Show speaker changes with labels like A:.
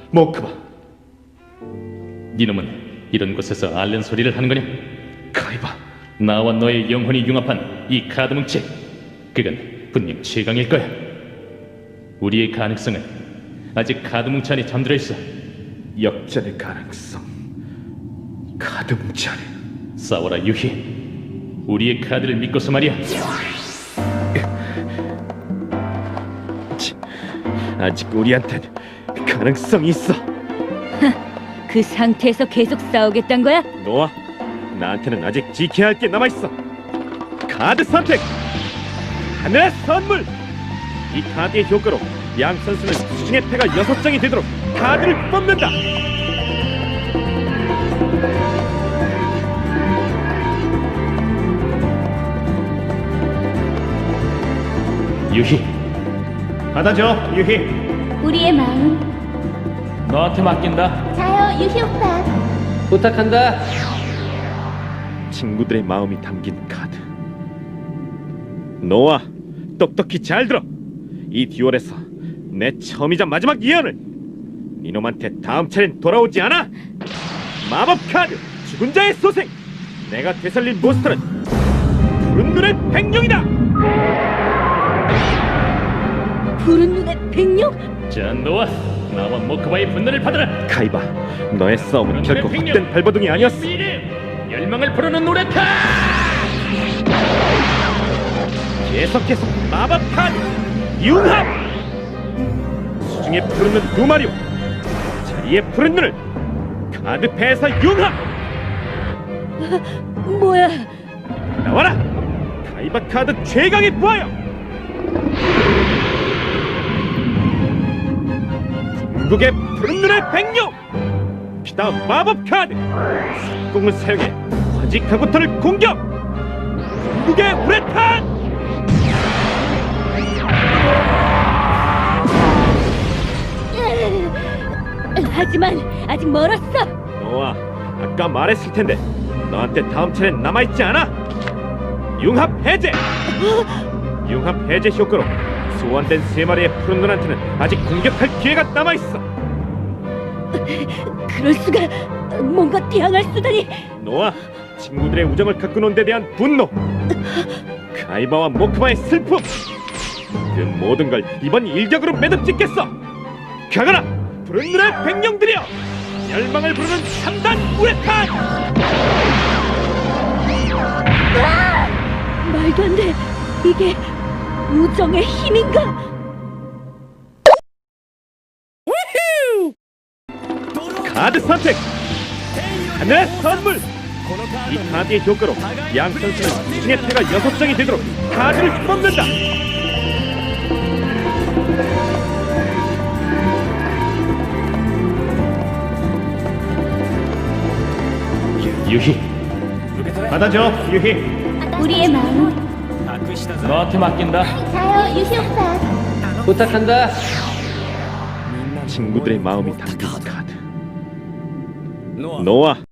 A: 모크바,
B: 니놈은 이런 곳에서 앓는 소리를 하는 거냐?
A: 카이바.
B: 나와 너의 영혼이 융합한 이 카드 뭉치, 그건 분명 최강일 거야. 우리의 가능성은 아직 카드 뭉치 안에 잠들어 있어.
A: 역전의 가능성. 카드 뭉치 안에.
B: 싸워라 유희. 우리의 카드를 믿고서 말이야.
A: 아직 우리한텐 가능성이 있어.
C: 그 상태에서 계속 싸우겠단 거야?
A: 노아, 나한테는 아직 지켜야 할 게 남아있어. 카드 선택! 하늘의 선물! 이 카드의 효과로 양 선수는 수중의 패가 6장이 되도록 카드를 뽑는다!
B: 유희,
A: 받아줘, 유희.
D: 우리의 마음.
B: 너한테 맡긴다.
D: 자요, 유희 오빠.
B: 부탁한다.
A: 친구들의 마음이 담긴 카드. 노아, 똑똑히 잘 들어. 이 듀얼에서 내 처음이자 마지막 예언을. 이놈한테 다음 차례는 돌아오지 않아. 마법 카드 죽은 자의 소생. 내가 되살린 몬스터는 푸른 눈의 백룡이다.
C: 푸른 눈의 백룡?
B: 자, 너와 나와 모크바의 분노를 받아라.
A: 카이바, 너의 싸움은 결코 헛된 발버둥이 아니었어.
B: 열망을 부르는 노래타.
A: 계속해서 마법 카드 융합. 수중의 푸른 눈 2마리와 자리의 푸른 눈을 카드패에서 융합.
C: 뭐야?
A: 나와라! 카이바 카드 최강의 부하여! 궁극의 푸른 눈의 백룡! 피다 마법 카드! 속공을 사용해 화지카고토를 공격! 궁극의 우레탄!
C: 하지만 아직 멀었어.
A: 노아, 아까 말했을 텐데 너한테 다음 차례는 남아있지 않아? 융합 해제! 융합 해제 효과로 소환된 3마리의 푸른 눈한테는 아직 공격할 기회가 남아있어.
C: 그럴 수가. 뭔가 대항할 수다니.
A: 노아, 친구들의 우정을 가꾼 데 대한 분노, 카이바와 모크바의 슬픔, 그 모든 걸 이번 일격으로 매듭짓겠어. 가거라, 푸른 눈의 백룡들이여! 열망을 부르는 3단 우레탄!
C: 말도 안 돼. 이게 우정의 힘인가?
A: 카드 선택! 하늘의 선물! 이 카드의 효과로 양 선수는 수중의 패가 6장이 되도록 카드를 뽑는다!
B: 유희,
A: 받아줘, 유희.
D: 우리의 마음.
B: 너한테 맡긴다.
D: 자요, 유희 오빠.
B: 부탁한다.
A: 친구들의 마음이 담긴 카드. 노아,